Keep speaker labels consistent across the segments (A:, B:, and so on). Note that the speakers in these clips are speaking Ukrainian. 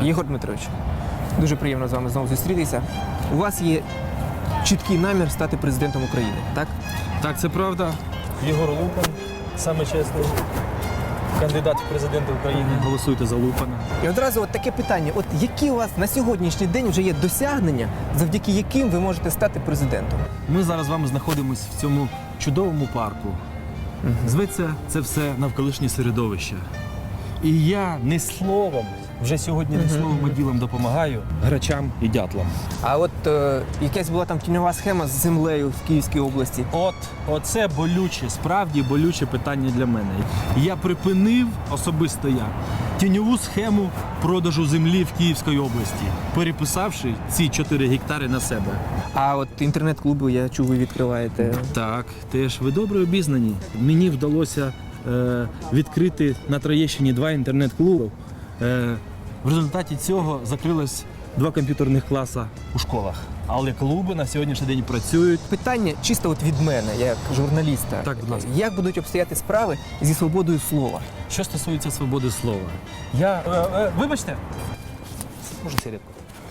A: Єгор Дмитрович, дуже приємно з вами знову зустрітися. У вас є чіткий намір стати президентом України, так?
B: Так, це правда. Єгор Лупан, саме чесний кандидат в президенти України. Голосуйте за Лупана.
A: І одразу от таке питання. От які у вас на сьогоднішній день вже є досягнення, завдяки яким ви можете стати президентом?
B: Ми зараз з вами знаходимося в цьому чудовому парку. Зветься це все навколишнє середовище. І я не словом, вже сьогодні не словом, а ділом допомагаю грачам і дятлам.
A: А от якась була там тіньова схема з землею в Київській області.
B: Оце болюче, справді болюче питання для мене. Я припинив, особисто я, тіньову схему продажу землі в Київській області, переписавши ці 4 гектари на себе.
A: А от інтернет-клуби, я чув, ви відкриваєте.
B: Так, теж ви добре обізнані. Мені вдалося відкрити на Троєщині 2 інтернет-клуби. В результаті цього закрилось 2 комп'ютерних класи у школах. Але клуби на сьогоднішній день працюють.
A: Питання чисто от від мене, як журналіста.
B: Так, будь ласка.
A: Як будуть обстояти справи зі свободою слова?
B: Що стосується свободи слова, вибачте. Можна сигаретку?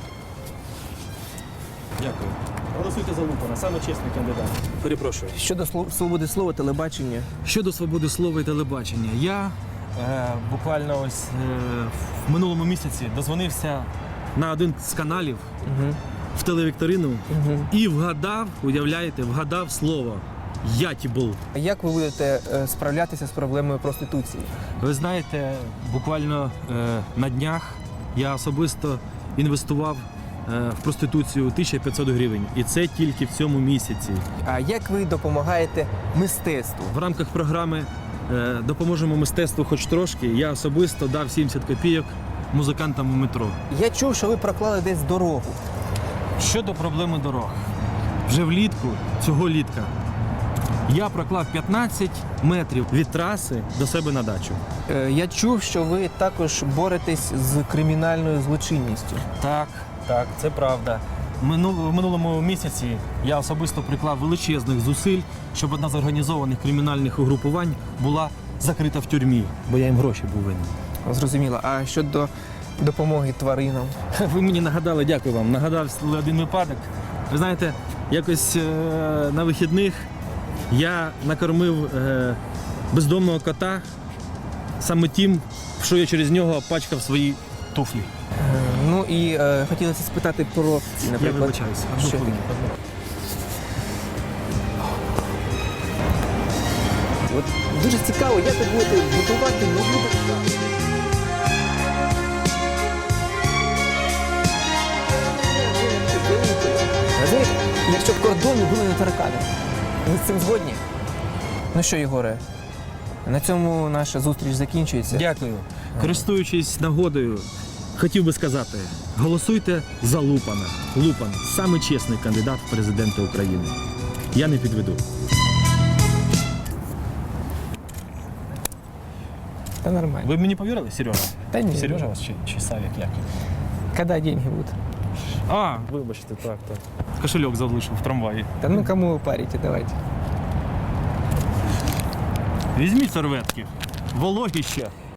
B: Дякую. Голосуйте за Лупана, саме чесний кандидат. Перепрошую.
A: Щодо свободи слова, телебачення.
B: Щодо свободи слова і телебачення, я буквально ось в минулому місяці дозвонився на один з каналів в телевікторину і вгадав, уявляєте, вгадав слово «ятібл».
A: Як ви будете справлятися з проблемою проституції?
B: Ви знаєте, буквально на днях я особисто інвестував в проституцію 1500 гривень. І це тільки в цьому місяці.
A: А як ви допомагаєте мистецтву?
B: В рамках програми «Допоможемо мистецтву хоч трошки» я особисто дав 70 копійок музикантам у метро.
A: Я чув, що ви проклали десь дорогу.
B: Щодо проблеми дорог. Вже влітку, цього літка, я проклав 15 метрів від траси до себе на дачу.
A: Я чув, що ви також боретесь з кримінальною злочинністю.
B: Так, це правда. В минулому місяці я особисто приклав величезних зусиль, щоб одна з організованих кримінальних угрупувань була закрита в тюрмі, бо я їм гроші був винен.
A: Зрозуміло. А щодо допомоги тваринам?
B: Ви мені нагадали, дякую вам, нагадав один випадок. Ви знаєте, якось на вихідних я накормив бездомного кота саме тим, що я через нього пачкав свої туфлі.
A: Ну і хотілося спитати про, наприклад...
B: Я вибачаюся.
A: Що таке? От дуже цікаво, як ви будете будувати нову державу. Знаєте, якщо б кордони були не таракани. Ви з цим згодні? Ну що, Єгоре, на цьому наша зустріч закінчується.
B: Дякую. Користуючись нагодою, хотів би сказати, голосуйте за Лупана. Лупан – самий чесний кандидат в президенти України. Я не підведу.
A: Та нормально.
B: Ви мені повірили, Сережа?
A: Та ні.
B: Сережа вас чи Савік, як?
A: Когда деньги будут?
B: А, вибачте, так. Кошельок залишив в трамваї.
A: Да ну кому вы парите, давайте.
B: Візьміть серветки. Вологі ще.